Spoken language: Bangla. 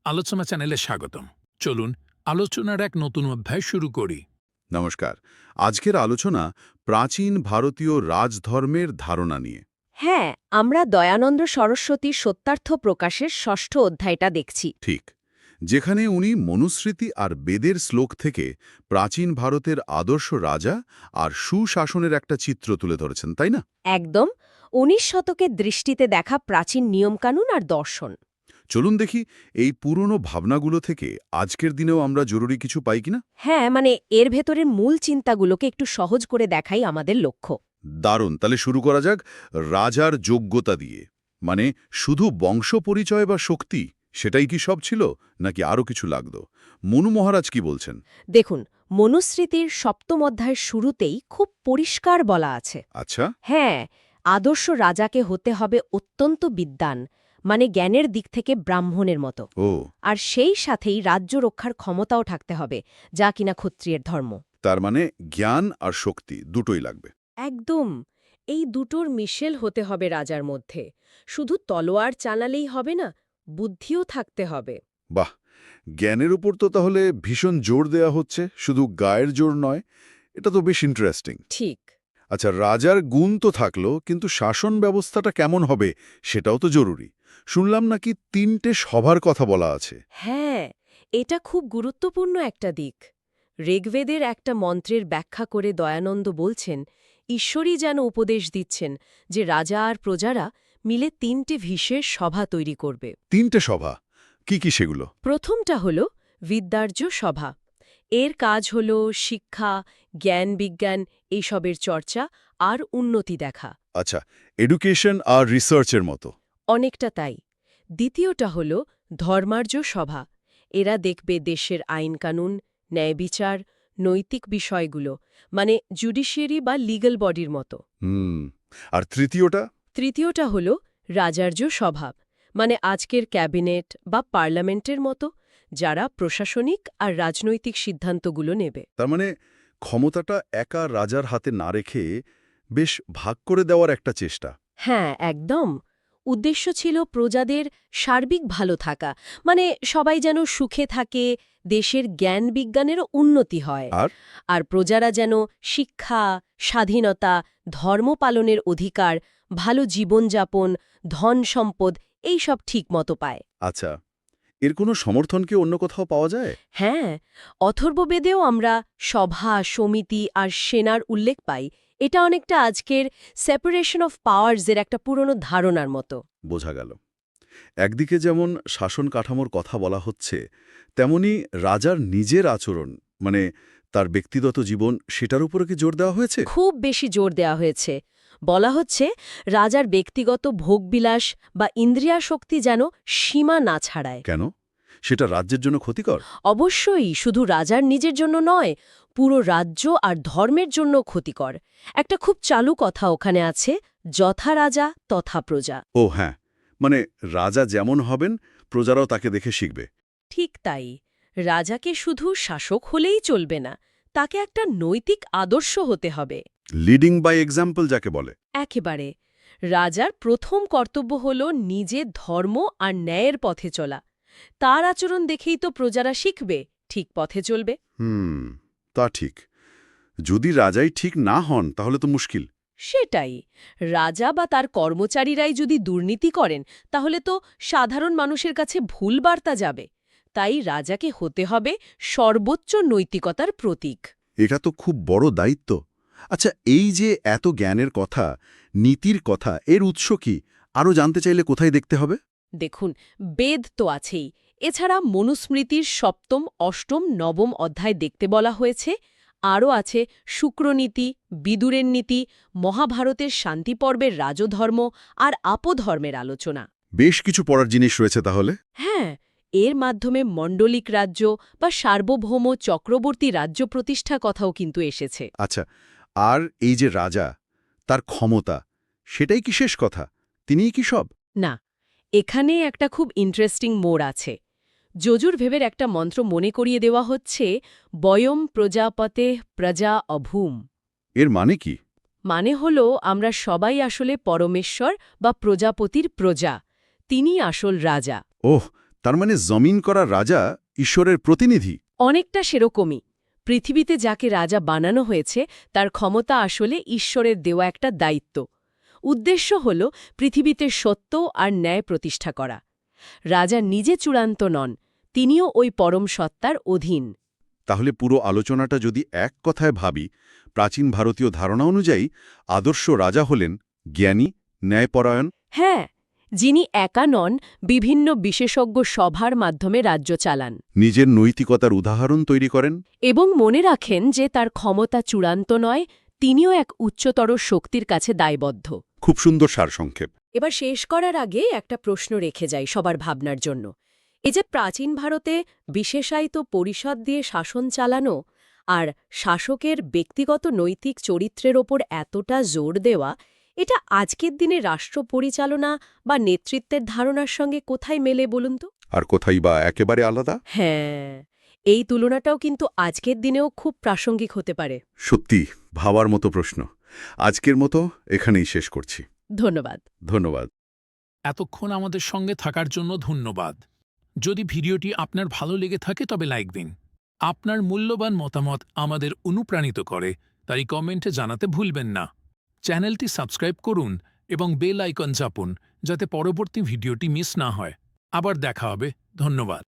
আলোচনা চ্যানেলে স্বাগতম। চলুন আলোচনার এক নতুন অধ্যায় শুরু করি। নমস্কার। আজকের আলোচনা প্রাচীন ভারতীয় রাজধর্মের ধারণা নিয়ে। হ্যাঁ, আমরা দয়ানন্দ সরস্বতীর সত্যার্থ প্রকাশের ষষ্ঠ অধ্যায়টা দেখছি। ঠিক, যেখানে উনি মনুস্মৃতি আর বেদের শ্লোক থেকে প্রাচীন ভারতের আদর্শ রাজা আর সুশাসনের একটা চিত্র তুলে ধরেছেন, তাই না? একদম ১৯ শতকের দৃষ্টিতে দেখা প্রাচীন নিয়মকানুন আর দর্শন। চলুন দেখি এই পুরনো ভাবনাগুলো থেকে আজকের দিনেও আমরা জরুরি কিছু পাই কিনা। হ্যাঁ, এর ভেতরের মূল চিন্তাগুলোকে একটু সহজ করে দেখাই আমাদের লক্ষ্য। দারুণ, তাহলে শুরু করা যাক রাজার যোগ্যতা দিয়ে। মানে শুধু বংশ পরিচয় বা শক্তি সেটাই কি সব ছিল, নাকি আরও কিছু লাগত? মনু মহারাজ কি বলছেন? দেখুন, মনুস্মৃতির সপ্তম অধ্যায়ের শুরুতেই খুব পরিষ্কার বলা আছে। আচ্ছা। হ্যাঁ, আদর্শ রাজাকে হতে হবে অত্যন্ত বিদ্বান, জ্ঞানের দিক থেকে ব্রাহ্মণের মতো। ও, আর সেই সাথেই রাজ্য রক্ষার ক্ষমতাও থাকতে হবে, যা কিনা ক্ষত্রিয়ের ধর্ম। তার মানে জ্ঞান আর শক্তি দুটোই লাগবে। একদম, এই দুটোর মিশেল হতে হবে রাজার মধ্যে। শুধু তলোয়ার চালালেই হবে না, বুদ্ধিও থাকতে হবে। বাহ, জ্ঞানের উপর তো তাহলে ভীষণ জোর দেয়া হচ্ছে, শুধু গায়ের জোর নয়। এটা তো বেশ ইন্টারেস্টিং। ঠিক। আচ্ছা, রাজার গুণ তো থাকলো, কিন্তু শাসন ব্যবস্থাটা কেমন হবে সেটাও তো জরুরি। শুনলাম নাকি ৩টে সভার কথা বলা আছে। হ্যাঁ, এটা খুব গুরুত্বপূর্ণ একটা দিক। ঋগ্বেদের একটা মন্ত্রের ব্যাখ্যা করে দয়ানন্দ বলছেন, ঈশ্বরই যেন উপদেশ দিচ্ছেন যে রাজা আর প্রজারা মিলে ৩টে বিশেষ সভা তৈরি করবে। ৩টে সভা কি কি সেগুলো? প্রথমটা হল বিদ্যার্য সভা। এর কাজ হল শিক্ষা, জ্ঞান বিজ্ঞান এইসবের চর্চা আর উন্নতি দেখা। আচ্ছা, এডুকেশন আর রিসার্চের মতো। অনেকটা তাই। দ্বিতীয়টা হল ধর্মার্য সভা। এরা দেখবে দেশের আইনকানুন, ন্যায়বিচার, নৈতিক বিষয়গুলো, জুডিশিয়ারি বা লিগ্যাল বডির মতো। আর তৃতীয়টা? তৃতীয়টা হল রাজার্য সভা, আজকের ক্যাবিনেট বা পার্লামেন্টের মতো, যারা প্রশাসনিক আর রাজনৈতিক সিদ্ধান্তগুলো নেবে। তার মানে ক্ষমতাটা একা রাজার হাতে না রেখে বেশ ভাগ করে দেওয়ার একটা চেষ্টা। হ্যাঁ, একদম। উদ্দেশ্য ছিল প্রজাদের সার্বিক ভালো থাকা, সবাই যেন সুখে থাকে, দেশের জ্ঞান বিজ্ঞানেরও উন্নতি হয়, আর আর প্রজারা যেন শিক্ষা, স্বাধীনতা, ধর্ম পালনের অধিকার, ভালো জীবনযাপন, ধন সম্পদ এইসব ঠিকমতো পায়। আচ্ছা, এর কোনো সমর্থন কি অন্য কোথাও পাওয়া যায়? হ্যাঁ, অথর্ববেদেও আমরা সভা, সমিতি আর সেনার উল্লেখ পাই। এটা অনেকটা আজকের সেপারেশন অফ পাওয়ার্সের একটা পুরনো ধারণার মতো। বোঝা গেল। একদিকে যেমন শাসন কাঠামোর কথা বলা হচ্ছে, তেমনি রাজার নিজের আচরণ, মানে তার ব্যক্তিগত জীবন, সেটার উপরে কি জোর দেওয়া হয়েছে? খুব বেশি জোর দেওয়া হয়েছে। বলা হচ্ছে রাজার ব্যক্তিগত ভোগবিলাস বা ইন্দ্রিয়াশক্তি যেন সীমা না ছাড়ায়। কেন? সেটা রাজ্যের জন্য ক্ষতিকর? অবশ্যই, শুধু রাজার নিজের জন্য নয়, পুরো রাজ্য আর ধর্মের জন্য ক্ষতিকর। একটা খুব চালু কথা ওখানে আছে, যথা রাজা তথা প্রজা। ও হ্যাঁ, মানে রাজা যেমন হবেন প্রজারাও তাকে দেখে শিখবে। ঠিক তাই। রাজাকে শুধু শাসক হলেই চলবে না, তাকে একটা নৈতিক আদর্শ হতে হবে। লিডিং বাই এক্সাম্পল যাকে বলে। একেবারে। রাজার প্রথম কর্তব্য হল নিজে ধর্ম আর ন্যায়ের পথে চলা। তার আচরণ দেখেই তো প্রজারা শিখবে, ঠিক পথে চলবে। তা ঠিক। যদি রাজাই ঠিক না হন তাহলে তো মুশকিল। সেটাই। রাজা বা তার কর্মচারীরাই যদি দুর্নীতি করেন, তাহলে তো সাধারণ মানুষের কাছে ভুল বার্তা যাবে। তাই রাজাকে হতে হবে সর্বোচ্চ নৈতিকতার প্রতীক। এটা তো খুব বড় দায়িত্ব। আচ্ছা, এই যে এত জ্ঞানের কথা, নীতির কথা, এর উৎস কি? আরও জানতে চাইলে কোথায় দেখতে হবে? দেখুন, বেদ তো আছেই। এছাড়া মনুস্মৃতির সপ্তম, অষ্টম, নবম অধ্যায় দেখতে বলা হয়েছে। আরও আছে শুক্রনীতি, বিদুরের নীতি, মহাভারতের শান্তিপর্বের রাজধর্ম আর আপধর্মের আলোচনা। বেশ কিছু পড়ার জিনিস রয়েছে তাহলে। হ্যাঁ, এর মাধ্যমে মণ্ডলিক রাজ্য বা সার্বভৌম চক্রবর্তী রাজ্য প্রতিষ্ঠা কথাও কিন্তু এসেছে। আচ্ছা, আর এই যে রাজা, তার ক্ষমতা, সেটাই কি শেষ কথা? তিনিই কি সব? না, এখানে একটা খুব ইন্টারেস্টিং মোড় আছে। যজুর্ভেবের একটা মন্ত্র মনে করিয়ে দেওয়া হচ্ছে, বয়ম প্রজাপতে প্রজা অভূম। এর মানে কি? মানে হল আমরা সবাই আসলে পরমেশ্বর বা প্রজাপতির প্রজা। তিনি আসল রাজা। ওহ, তার মানে জমিন করা রাজা ঈশ্বরের প্রতিনিধি। অনেকটা সেরকমই। পৃথিবীতে যাকে রাজা বানানো হয়েছে তার ক্ষমতা আসলে ঈশ্বরের দেওয়া একটা দায়িত্ব। উদ্দেশ্য হল পৃথিবীতে সত্য আর ন্যায় প্রতিষ্ঠা করা। রাজা নিজে চূড়ান্ত নন, তিনিও ওই পরম সত্তার অধীন। তাহলে পুরো আলোচনাটা যদি এক কথায় ভাবি, প্রাচীন ভারতীয় ধারণা অনুযায়ী আদর্শ রাজা হলেন জ্ঞানী, ন্যায়পরায়ণ। হ্যাঁ, যিনি একা নন, বিভিন্ন বিশেষজ্ঞ সভার মাধ্যমে রাজ্য চালান নিজের নৈতিকতার উদাহরণ তৈরি করেন। এবং মনে রাখেন যে তার ক্ষমতা চূড়ান্ত নয়, তিনিও এক উচ্চতর শক্তির কাছে দায়বদ্ধ। খুব সুন্দর সারসংক্ষেপ। এবার শেষ করার আগে একটা প্রশ্ন রেখে যাই সবার ভাবনার জন্য। এই যে প্রাচীন ভারতে বিশেষায়িত পরিষদ দিয়ে শাসন চালানো আর শাসকের ব্যক্তিগত নৈতিক চরিত্রের ওপর এতটা জোর দেওয়া, এটা আজকের দিনে রাষ্ট্র পরিচালনা বা নেতৃত্বের ধারণার সঙ্গে কোথায় মেলে বলুন তো? আর কোথায় বা একেবারে আলাদা? হ্যাঁ, এই তুলনাটাও কিন্তু আজকের দিনেও খুব প্রাসঙ্গিক হতে পারে। সত্যি ভাবার মতো প্রশ্ন। আজকের মতো এখানেই শেষ করছি। ধন্যবাদ। ধন্যবাদ। এতক্ষণ আমাদের সঙ্গে থাকার জন্য ধন্যবাদ। যদি ভিডিওটি আপনার ভালো লেগে থাকে তবে লাইক দিন। আপনার মূল্যবান মতামত আমাদের অনুপ্রাণিত করে, তাই কমেন্টে জানাতে ভুলবেন না। চ্যানেলটি সাবস্ক্রাইব করুন এবং বেল আইকন চাপুন যাতে পরবর্তী ভিডিওটি মিস না হয়। আবার দেখা হবে। ধন্যবাদ।